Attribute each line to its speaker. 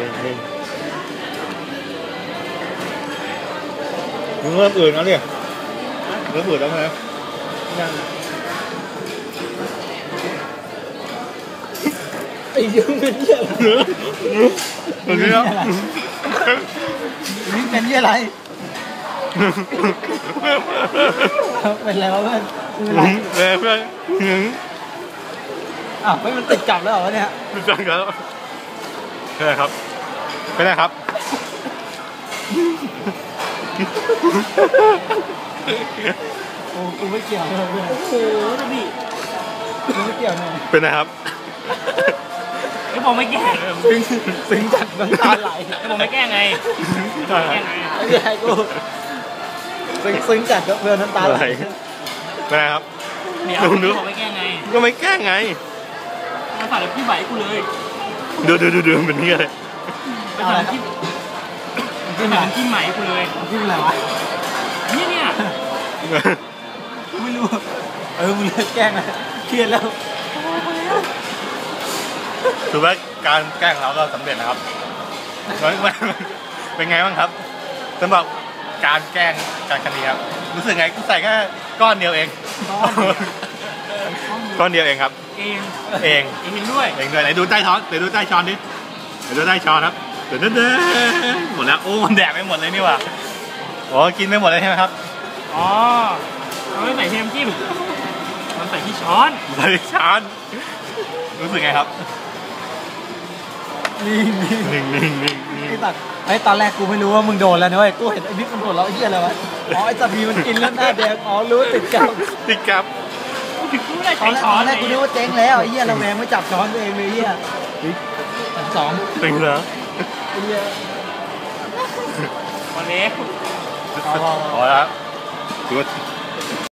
Speaker 1: มึงเริ่มอื่นแล้วเนี่ยเริ่มอื่นแล้วไหมยัง
Speaker 2: ไอ้ยุ่งเป็นเหี้ยอะไร
Speaker 1: นี่
Speaker 2: เป็นเหี้ยอะไรเป็นอะไรวะเพื่อน
Speaker 1: เพื่อน
Speaker 2: อ้าวไม่มันติดกลับแล้วเหรอเนี่ย
Speaker 1: ติดกลับแล้วเป็นไรครับเป็นไรครับ
Speaker 2: โอ้กูไม่เกี่ยวเลยโอ้โหนี่กูไม่เกี่ยวเลย
Speaker 1: เป็นไรครับ
Speaker 3: ไอ้ผมไม่แกล้ง
Speaker 2: ซึ้งจัดน้ำตาไหล
Speaker 3: ไอ้ผมไม่แกล้งไงแกล้งไง
Speaker 2: ไอ้ใหญ่กูซึ้งจัดก็เพื่อนน้ำตาไหล
Speaker 1: เป็นไรครับ
Speaker 3: เดี๋ยวผมไม่แกล้งไง
Speaker 1: ก็ไม่แกล้งไง
Speaker 3: มาฝากพี่ใบกูเลย
Speaker 1: ดูเป็นนี่เลย
Speaker 3: ไปฝากพี่เป็นที่ใหม่กูเลย
Speaker 2: ที่อะไรวะ
Speaker 3: เนี่ย
Speaker 2: ไม่รู้มึงเลิกแกล้งนะเครียดแล้ว
Speaker 1: ถือว่าการแกล้งเราก็สำเร็จนะครับเป็นไงบ้างครับสำหรับการแกล้งการครั้งนี้ครับรู้สึกไงกูใส่แค่ก้อนเดียวเองก้อนเดียวเองครับเอง
Speaker 3: ด้วย
Speaker 1: ไหนดูใต้ช้อนเดี๋ยวดูใต้ช้อนดิเดี๋ยวดูใต้ช้อนครับเดี๋ยวหมดแล้วโอ้มันแดกไปหมดเลยนี่ว่ะอ๋อกินไม่หมดเลยใช่ไหมครับ
Speaker 3: อ๋อเราไม่ใส่เทมจิ้มมันใส่ที่ช้อน
Speaker 1: รู้สึกไงครับ
Speaker 2: นิ่งไอ้ตัดไอ้ตอนแรกกูไม่รู้ว่ามึงโดนแล้วนะเว้ยกูเห็นไอ้บิ๊กมันโดนแล้วไอ้เหี้ยอะไรวะอ๋อไอ้สัตว์บีมันกินแล้วหน้าแดงอ๋อรู้ติดกับตอนแรกกูนึกว่าเจ๊งแล้วไอ้เหี้ยเราแมงไม่จับช้อนตัวเองเลยเหี้ยสอง
Speaker 1: เป็นเหรอ
Speaker 2: ไอ้เหี้ย
Speaker 3: วันนี้
Speaker 1: พอแล้วถือว่า